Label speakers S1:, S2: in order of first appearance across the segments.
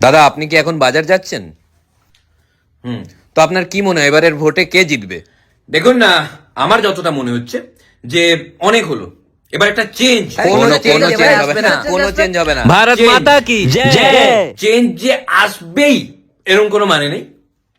S1: দাদা, আপনি কি এখন বাজার যাচ্ছেন? তো আপনার কি মনে হয় এবারের ভোটে কে জিতবে?
S2: দেখুন না, আমার যতটা মনে হচ্ছে যে অনেক হলো, এবার একটা চেঞ্জ।
S1: কোনো চেঞ্জ হবে না, কোনো চেঞ্জ হবে না।
S3: ভারত মাতা কি জয়।
S2: চেঞ্জ যে আসবেই এরকম কোনো মানে নেই,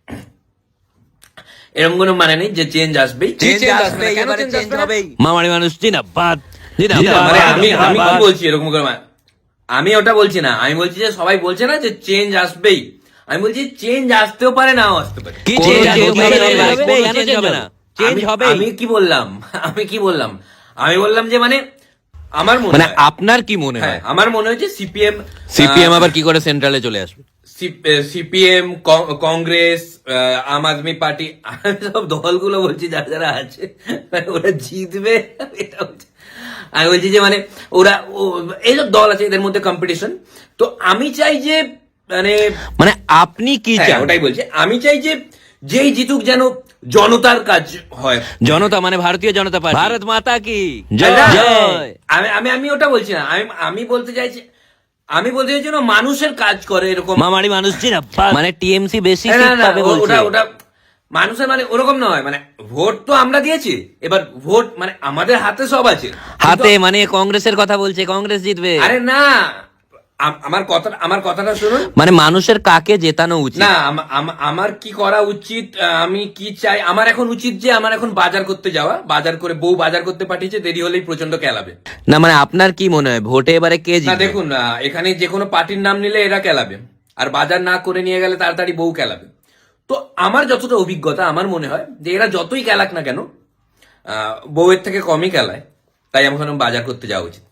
S2: এরকম কোনো মানে নেই যে চেঞ্জ আসবেই।
S1: চেঞ্জ আসবে, এবারে চেঞ্জ হবেই।
S3: মামারি মানুষ জিন্দাবাদ
S2: মানে আমি আমি কি বলছি এরকম করে আমি ওটা বলছি না, আমি বলছি যে সবাই বলছে না যে চেঞ্জ আসবেই, আমি বলছি চেঞ্জ আসতেও পারে নাও আসতে পারে।
S3: কি
S1: চেঞ্জ
S3: হবে না, চেঞ্জ হবে।
S2: আমি কি বললাম, আমি বললাম যে মানে আমার মনে
S1: মানে
S2: হয়,
S1: আপনার কি মনে
S2: হ্যাঁ
S1: হয়
S2: আমার মনে হয় যে
S1: সিপিএম আবার কি করে সেন্ট্রালে চলে আসবে?
S2: সিপিএম, কংগ্রেস, আম আদমি পার্টি, সব দলগুলো বলছি যারা যারা আছে মানে ওরা জিতবে এটা হচ্ছে। আমি বলছি যে মানে ওরা এইসব দল আছে, এদের মধ্যে কম্পিটিশন। তো আমি চাই যে মানে
S3: মানে আপনি কি
S2: হ্যাঁ,
S3: চান?
S2: ওটাই বলছি, আমি চাই যে যেই জিতুক যেন জনতার কাজ হয়।
S3: জনতা মানে ভারতীয় জনতা পার্টি। ভারত মাতা কি
S2: না,
S3: জয়।
S2: আমি আমি আমি ওটা বলছি না, আমি বলতে চাইছি, আমি বলতে চাইছি না মানুষের কাজ করে এরকম।
S3: মামারি মানুষ জিন্দাবাদ মানে টিএমসি বেশি
S2: না,
S3: সিট
S2: না,
S3: পাবে বলছে।
S2: ওটা ওটা মানুষের মানে ওরকম নয়, মানে ভোট তো আমরা দিয়েছি, এবার ভোট মানে আমাদের হাতে সব আছে।
S3: হাতে মানে কংগ্রেসের কথা বলছে, কংগ্রেস জিতবে।
S2: আরে না, আমার কথাটা শুনুন।
S3: মানে মানুষের কাকে জেতানো উচিত?
S2: না, আমার কি করা উচিত, আমি কি চাই, আমার এখন উচিত যে আমার এখন বাজার করতে যাওয়া, বাজার করে বউ বাজার করতে পাঠিয়েছে, দেরি হলেই প্রচন্ড কেলাবে।
S3: না মানে আপনার কি মনে হয় ভোটে এবারে কে
S2: না
S3: জিতবে?
S2: দেখুন, এখানে যে কোনো পার্টির নাম নিলে এরা কেলাবে, আর বাজার না করে নিয়ে গেলে তাড়াতাড়ি বউ কেলাবে। তো আমার যতটা অভিজ্ঞতা, আমার মনে হয় যে এরা যতই কেলাক না কেন, বউয়ের থেকে কমই কেলায়, তাই আমার বাজার করতে যাওয়া উচিত।